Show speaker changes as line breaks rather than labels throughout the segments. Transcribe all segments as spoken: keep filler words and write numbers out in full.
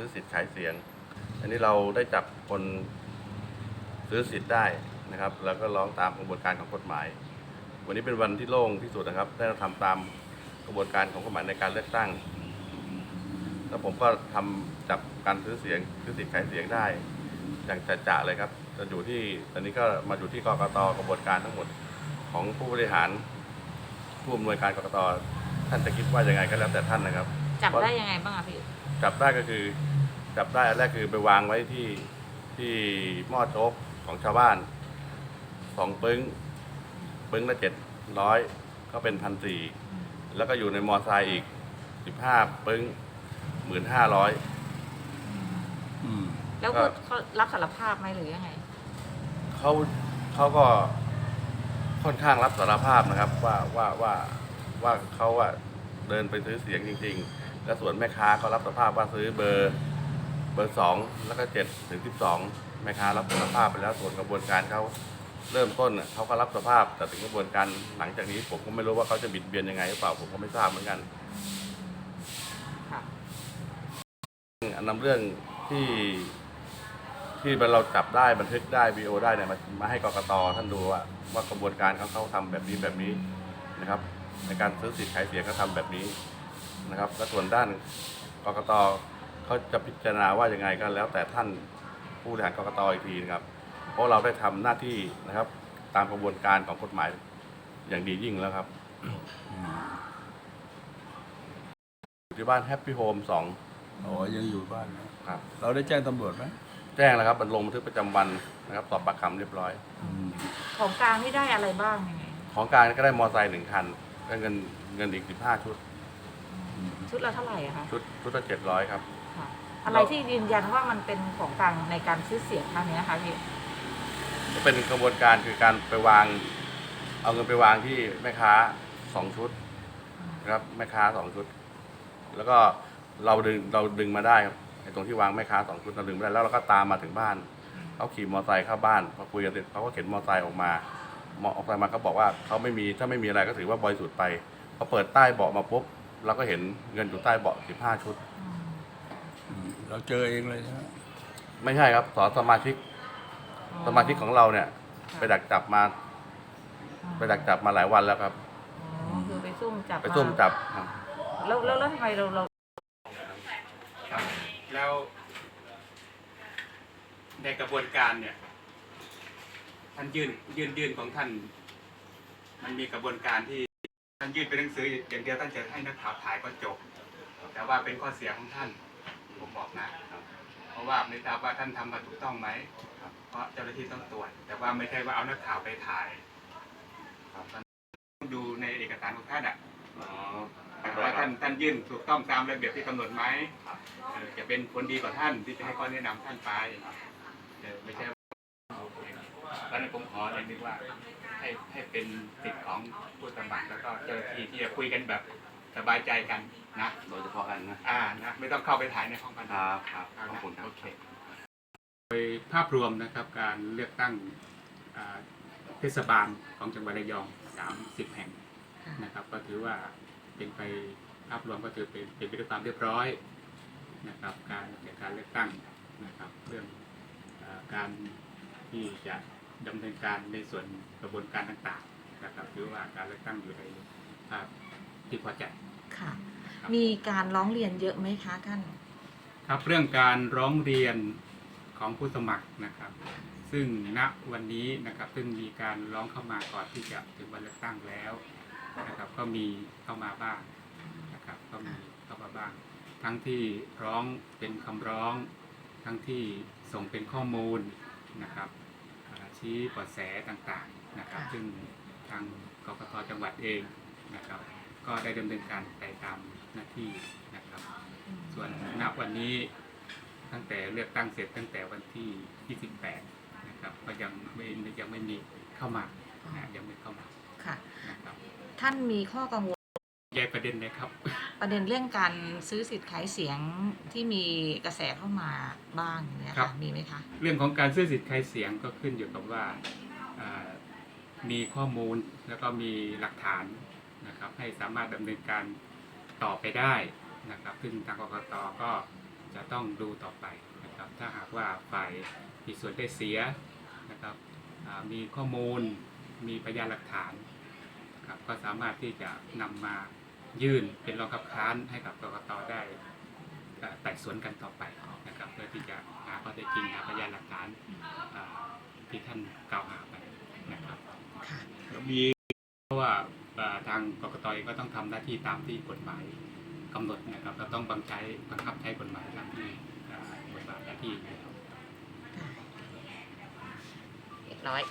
ซื้อสิทธิ์ขายเสียงอันนี้เราได้จับคนซื้อสิทธิ์ได้นะครับแล้วก็ร้องตามกระบวนการของกฎหมายวันนี้เป็นวันที่โล่งที่สุดนะครับได้ทำตามกระบวนการของกฎหมายในการเลือกตั้งแล้วผมก็ทำจับการซื้อเสียงซื้อสิทธิ์ขายเสียงได้อย่างจะๆเลยครับจะอยู่ที่ตอนนี้ก็มาอยู่ที่กกต.กระบวนการทั้งหมดของผู้บริหารผู้อำนวยการกกต.ท่านจะคิดว่ายังไงก็แล้วแต่ท่านนะครับ
จับได้ยังไงบ้างอะพี่
จับได้ก็คือจับได้อันแรกคือไปวางไว้ที่ที่หม้อโจ๊กของชาวบ้านสองปึ้งปึ้งละเจ็ดร้อยก็เป็นพันสี่แล้วก็อยู่ในมอไซค์อีกสิบห้าปึ้งหมื่นห้าร้อย
แล้วเขารับสารภาพไหมหรือยังไง
เขาเขาก็ค่อนข้างรับสารภาพนะครับว่าว่าว่าว่าเขาว่าเดินไปซื้อเสียงจริงๆและส่วนแม่ค้าก็รับสารภาพว่าซื้อเบอร์เบอร์สองแล้วก็เจ็ดถึงสิบสองแม่ค้ารับสารภาพไปแล้วส่วนกระบวนการเขาเริ่มต้นเขาก็รับสารภาพแต่ถึงกระบวนการหลังจากนี้ผมก็ไม่รู้ว่าเขาจะบิดเบียนยังไงหรือเปล่าผมก็ไม่ทราบเหมือนกันอันนำเรื่องที่ที่เราจับได้บันทึกได้วีดีโอได้เนี่ยมามาให้กกต.ท่านดูว่าว่ากระบวนการเขาเขาทำแบบนี้แบบนี้นะครับในการซื้อสิทธิ์ขายเสียงเขาทำแบบนี้นะครับและส่วนด้านกกต.เขาจะพิจารณาว่ายังไงก็แล้วแต่ท่านผู้บริหารกกต.อีกทีนะครับเพราะเราได้ทำหน้าที่นะครับตามกระบวนการของกฎหมายอย่างดียิ่งแล้วครับอยู่ที่บ้านแฮปปี้โฮมสอง
อ๋อยังอยู่บ้านนะครับเราได้แจ้งตำรวจไหม
แจ้งแล้วครับบันลงบันทึกประจำวันนะครับสอบปากคำเรียบร้อย
ของกลางที่ได้อะไรบ้างยังไง
ของกลางก็ได้มอเตอร์ไซค์หนึ่งคันได้เงินเงินอีกสิบห้าชุด
ชุดละเท่าไหร่อะคะ
ชุดชุดละเจ็ดร้อยครับ
อะไรที่ยืนยันว่ามันเป็นของกลางในการซื้อเสียงครั้งนี้นะคะพี่
จะเป็นกระบวนการคือการไปวางเอาเงินไปวางที่แม่ค้าสองชุดนะครับแม่ค้าสองชุดแล้วก็เราดึงเราดึงมาได้ครับไอ้ตรงที่วางแม่ค้าสองชุดเราดึงมาได้แล้วเราก็ตามมาถึงบ้านเขาขี่มอเตอร์ไซค์เข้าบ้านพอคุยกันเสร็จเขาก็เข็นมอเตอร์ไซค์ออกมาออกมาเขาบอกว่าเขาไม่มีถ้าไม่มีอะไรก็ถือว่าบริสุทธิ์ไปพอเปิดใต้เบาะมาปุ๊บเราก็เห็นเงินอยู่ใต้เบาะสิบห้าชุด
เราเจอเองเลยใช่ไหม
ไม่ใช่ครับสอนสมาชิกสมาชิกของเราเนี่ยไปดักจับมาไปดักจับมาหลายวันแล้วครับ
อ๋อคือไปซุ่มจับ
ไปซุ่มจับ
แล้วแล้วแล้วทำไมเราเรา
แล้วในกระบวนการเนี่ยท่านยื่นยื่นยื่นของท่านมันมีกระบวนการที่ท่านยื่นเป็นหนังสืออย่างเดียวท่านจะให้นักข่าวถ่ายก็จบแต่ว่าเป็นข้อเสียของท่านผมบอกนะเพราะว่าไม่ทราบว่าท่านทำมาถูกต้องไหมเพราะเจ้าหน้าที่ต้องตรวจแต่ว่าไม่ใช่ว่าเอานักข่าวไปถ่ายต้องดูในเอกสารของท่านอ่ะว่าท่านท่านยื่นถูกต้องตามระเบียบที่กำหนดไหมจะเป็นผลดีกว่าท่านที่จะให้ข้อแนะนำท่านไปไม่ใช่แล้วในผมขอเลยนึกว่าให้ให้เป็นสิทธิ์ของผู้สมัครแล้วก็เจ้าหน้าที่ที่จะคุยกันแบบสบายใจกันนะ
โดยเฉพาะกันนะ
อ่านะไม่ต้องเข้าไปถ่ายในห้องกัน
ครับครับขอบคุณ
โอเคโดยภาพรวมนะครับการเลือกตั้งเทศบาลของจังหวัดระยองสามสิบแห่งนะครับก็ถือว่าเป็นไปภาพรวมก็ถือเป็นเป็นไปด้วยความเรียบร้อยนะครับการจัดการเลือกตั้งนะครับเรื่องการที่จะดำเนินการในส่วนกระบวนการต่างๆนะครับถือว่าการเลือกตั้งอยู่ในภาพที่พอใจ
ค่ะมีการร้องเรียนเยอะไหมคะท่าน
ครับเรื่องการร้องเรียนของผู้สมัครนะครับซึ่งณวันนี้นะครับซึ่งมีการร้องเข้ามาก่อนที่จะถึงวันเลือกตั้งแล้วนะครับก็มีเข้ามาบ้างนะครับก็มีเข้ามาบ้างทั้งที่ร้องเป็นคำร้องทั้งที่ส่งเป็นข้อมูลนะครับชี้เบาะแสต่างๆนะครับซึ่งทางกกต.จังหวัดเองนะครับก็ได้ดำเนินการไปตามหน้าที่นะครับส่วนณวันนี้ตั้งแต่เลือกตั้งเสร็จตั้งแต่วันที่ยี่สิบแปดนะครับก็ยังไม่ยังไม่มีเข้ามานะยังไม่เข้ามา
ค่ะนะครับท่านมีข้อกังวล
แยกประเด็นเลยครับ
ประเด็นเรื่องการซื้อสิทธิ์ขายเสียงที่มีกระแสเข้ามาบ้างเนี่ยค่ะมีไหมคะ
เรื่องของการซื้อสิทธิ์ขายเสียงก็ขึ้นอยู่กับว่ามีข้อมูลแล้วก็มีหลักฐานนะครับให้สามารถดำเนินการต่อไปได้นะครับซึ่งทางกกต.ก็จะต้องดูต่อไปนะครับถ้าหากว่าฝ่ายมีส่วนได้เสียนะครับอ่ามีข้อมูลมีพยานหลักฐานนะครับก็สามารถที่จะนำมายื่นเป็นรองคับค้านให้กับกกตได้เอ่อไต่สวนกันต่อไปนะครับเพื่อที่จะหาข้อเท็จจริงหาพยานหลักฐานอ่าที่ท่านกล่าวหาไปนะครับ
ค่ะ
แล้วมี
เพราะว่าเอ่อทางกกตเองก็ต้องทำหน้าที่ตามที่กฎหมายกำหนดนะครับเราต้องบังใช้บังคับใช้กฎหมายตามที่เอ่อบทบาทหน้าที่อยู่แล้ว
เรียบร้อย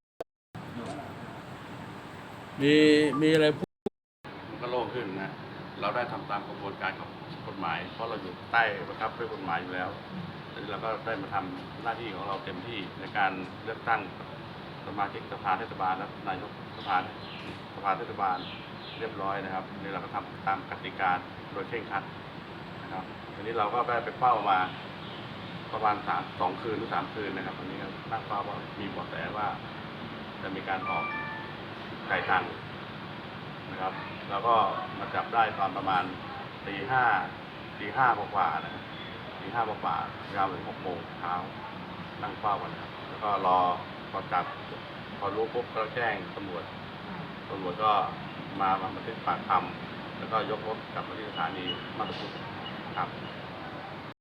มีมีอะไรพูด
มันก็โล่งขึ้นนะ เราได้ทำตามกระบวนการของกฎหมาย เพราะเราอยู่ใต้บังคับด้วยกฎหมายอยู่แล้วดังนั้นเราก็ได้มาทำหน้าที่ของเราเต็มที่ในการเลือกตั้งสมาชิกสภาเทศบาลและนายกสภาสภาเทศบาลเรียบร้อยนะครับนี่เราก็ทำตามกติกาโดยเคร่งครัดนะครับทีนี้เราก็ได้ไปเฝ้ามาประมาณสามสองคืนหรือสามคืนนะครับวันนี้ก็ตั้งเป้าว่ามีเบาะแสว่าจะมีการออกไก่ตังนะครับแล้วก็มาจับได้ตอนประมาณตีห้าตีห้ากว่าๆนะครับตีห้ากว่าๆยาวถึงหกโมงเช้านั่งเฝ้ากันนะครับแล้วก็รอพอจับพอรู้ปุ๊บก็แจ้งตำรวจตำรวจก็มามาบันทึกปากคำแล้วก็ยกรถกลับมาที่สถานีมาตุพุทธครับ